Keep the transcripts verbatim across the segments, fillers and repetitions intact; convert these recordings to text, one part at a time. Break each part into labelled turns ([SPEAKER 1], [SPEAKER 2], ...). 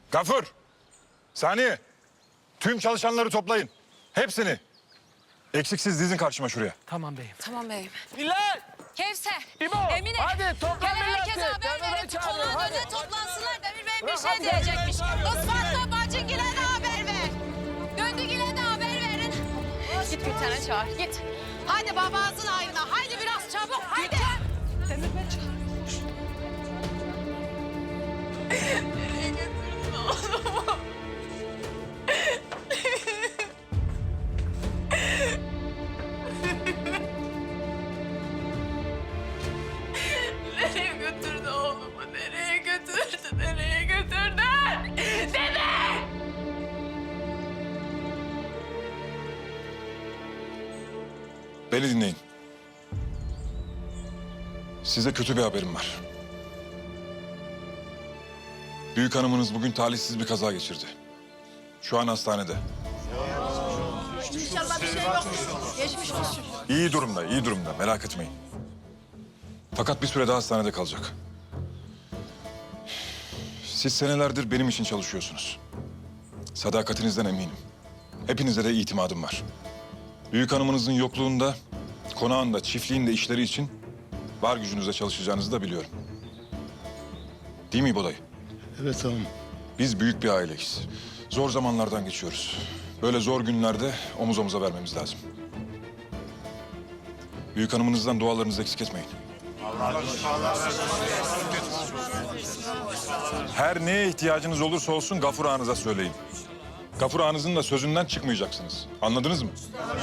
[SPEAKER 1] Gafur, Saniye. Tüm çalışanları toplayın. Hepsini. Eksiksiz dizin karşıma şuraya.
[SPEAKER 2] Tamam beyim.
[SPEAKER 3] Tamam beyim.
[SPEAKER 2] Bilal!
[SPEAKER 3] Kevser,
[SPEAKER 2] İbo,
[SPEAKER 3] Emine.
[SPEAKER 2] hadi topla
[SPEAKER 3] Gel
[SPEAKER 2] milleti.
[SPEAKER 3] herkese haber
[SPEAKER 2] Demir Bey
[SPEAKER 3] verin.
[SPEAKER 2] çağırıyor,
[SPEAKER 3] Konağın
[SPEAKER 2] hadi.
[SPEAKER 3] önüne toplansınlar. Demir Bey bir
[SPEAKER 2] Bırak,
[SPEAKER 3] şey
[SPEAKER 2] hadi,
[SPEAKER 3] diyecekmiş.
[SPEAKER 2] Demir Bey çağırıyor,
[SPEAKER 3] Isfatla Bacıgil'e de haber ver. Döndügil'e de haber verin. Git bir tane çağır, git. Hadi babamızın ayına. Haydi biraz çabuk, haydi. Demir Bey çağır. Nereye götürdün oğlumu? Nereye götürdü oğlumu? Nereye götürdü? Nereye götürdü? Dede!
[SPEAKER 1] Beni dinleyin. Size kötü bir haberim var. Büyük hanımınız bugün talihsiz bir kaza geçirdi. Şu an hastanede.
[SPEAKER 3] İnşallah bir şey yoktur. Geçmiş olsun.
[SPEAKER 1] İyi durumda, iyi durumda. Merak etmeyin. Fakat bir süre daha hastanede kalacak. Siz senelerdir benim için çalışıyorsunuz. Sadakatinizden eminim. Hepinize de itimadım var. Büyük hanımınızın yokluğunda, konağında, çiftliğinde işleri için var gücünüzle çalışacağınızı da biliyorum. Değil mi İbo dayı?
[SPEAKER 4] Evet tamam.
[SPEAKER 1] Biz büyük bir aileyiz. Zor zamanlardan geçiyoruz. Böyle zor günlerde omuz omuza vermemiz lazım. Büyük hanımınızdan dualarınızı eksik etmeyin. Her neye ihtiyacınız olursa olsun Gafur ağanıza söyleyin. Gafur ağanızın da sözünden çıkmayacaksınız. Anladınız mı?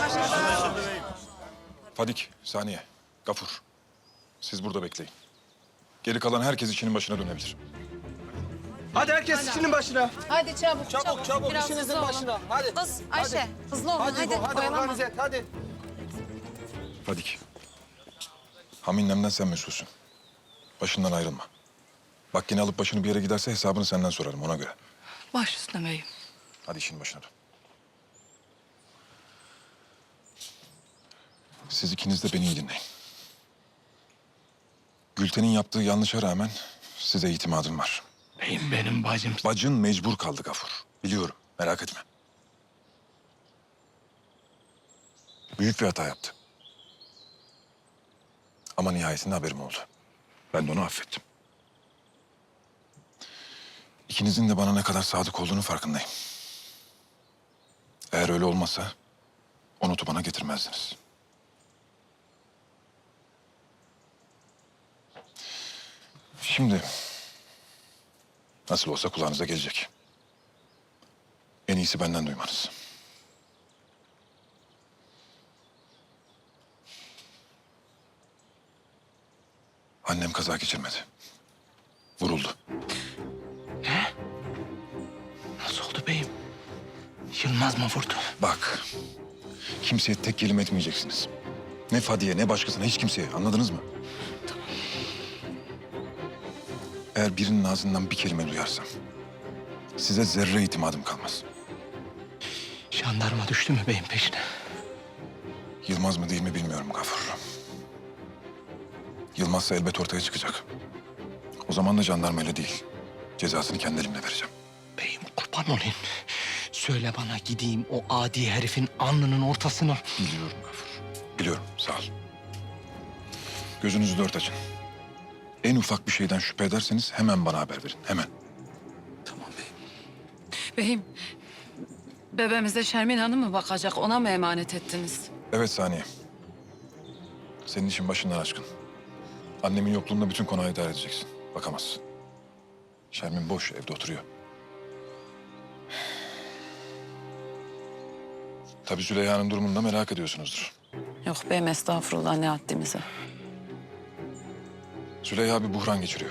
[SPEAKER 1] Fadik, Saniye, Gafur. Siz burada bekleyin. Geri kalan herkes işinin başına dönebilir.
[SPEAKER 2] Hadi herkes işinin başına.
[SPEAKER 3] Hadi çabuk, çabuk.
[SPEAKER 2] Çabuk çabuk
[SPEAKER 3] Biraz
[SPEAKER 2] işinizin
[SPEAKER 3] hızlı olun.
[SPEAKER 2] başına. Hadi.
[SPEAKER 3] Kız, Ayşe,
[SPEAKER 2] Hadi.
[SPEAKER 3] hızlı olun.
[SPEAKER 2] Hadi,
[SPEAKER 3] Hadi,
[SPEAKER 2] hadi, hadi
[SPEAKER 3] oyalanma.
[SPEAKER 2] organize et, hadi.
[SPEAKER 1] Fadik. Haminlemden sen mesulsün. Başından ayrılma. Bak yine alıp başını bir yere giderse hesabını senden sorarım ona göre.
[SPEAKER 3] Baş üstüne beyim.
[SPEAKER 1] Hadi işin başına dön. Siz ikiniz de beni iyi dinleyin. Gülten'in yaptığı yanlışa rağmen size itimadım var.
[SPEAKER 4] Beyim benim bacım.
[SPEAKER 1] Bacın mecbur kaldı Gafur. Biliyorum, merak etme. Büyük bir hata yaptı. Ama nihayetinde haberim oldu. Ben de onu affettim. İkinizin de bana ne kadar sadık olduğunu farkındayım. Eğer öyle olmasa o notu bana getirmezdiniz. Şimdi nasıl olsa kulağınıza gelecek. En iyisi benden duymanız. Annem kaza geçirmedi. Vuruldu.
[SPEAKER 4] Nasıl oldu beyim? Yılmaz mı vurdu?
[SPEAKER 1] Bak, kimseye tek kelime etmeyeceksiniz. Ne Fadiye, ne başkasına, hiç kimseye. Anladınız mı? Eğer birinin ağzından bir kelime duyarsam... size zerre itimadım kalmaz.
[SPEAKER 4] Jandarma düştü mü beyim peşine?
[SPEAKER 1] Yılmaz mı değil mi bilmiyorum Gafur. Yılmazsa elbet ortaya çıkacak. O zaman da jandarmayla değil, cezasını kendi elimle vereceğim.
[SPEAKER 4] Beyim kurban olayım. Söyle bana gideyim o adi herifin alnının ortasına.
[SPEAKER 1] Biliyorum Gafur, biliyorum. Sağ ol. Gözünüzü dört açın. En ufak bir şeyden şüphe ederseniz hemen bana haber verin, hemen.
[SPEAKER 4] Tamam beyim.
[SPEAKER 3] Beyim, bebeğimize Şermin Hanım mı bakacak? Ona mı emanet ettiniz?
[SPEAKER 1] Evet Saniye. Senin işin başından aşkın. Annemin yokluğunda bütün konağı idare edeceksin. Bakamazsın. Şermin boş, evde oturuyor. Tabii Züleyha'nın durumunu da merak ediyorsunuzdur.
[SPEAKER 3] Yok beyim, estağfurullah, ne haddimize.
[SPEAKER 1] Züleyha bir buhran geçiriyor.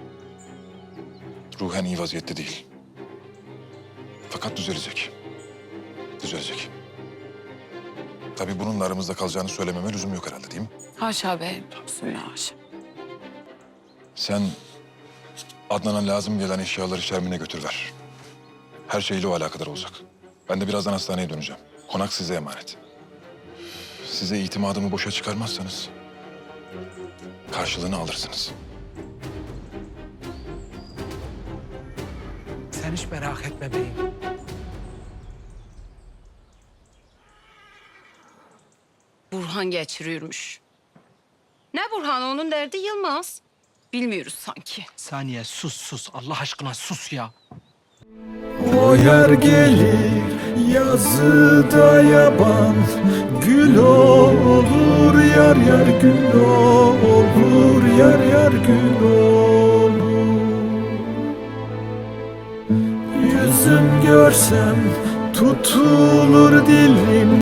[SPEAKER 1] Ruhen iyi vaziyette değil. Fakat düzelecek. Düzelecek. Tabii bununla aramızda kalacağını söylememe lüzum yok herhalde, değil mi?
[SPEAKER 3] Haşa beyim, bismillah haşa.
[SPEAKER 1] Sen Adnan'a lazım gelen eşyaları Şermin'e götür ver. Her şeyle o alakadar olacak. Ben de birazdan hastaneye döneceğim. Konak size emanet. Size itimadımı boşa çıkarmazsanız karşılığını alırsınız.
[SPEAKER 4] Sen hiç merak etme beyim.
[SPEAKER 3] Burhan geçiriyormuş. Ne Burhan? Onun derdi Yılmaz. Bilmiyoruz sanki.
[SPEAKER 4] Saniye sus sus. Allah aşkına sus ya.
[SPEAKER 5] O yer gelir yazıda yaban, gül olur yar yar gül olur yar yar gül olur. Yüzüm görsem tutulur dilim,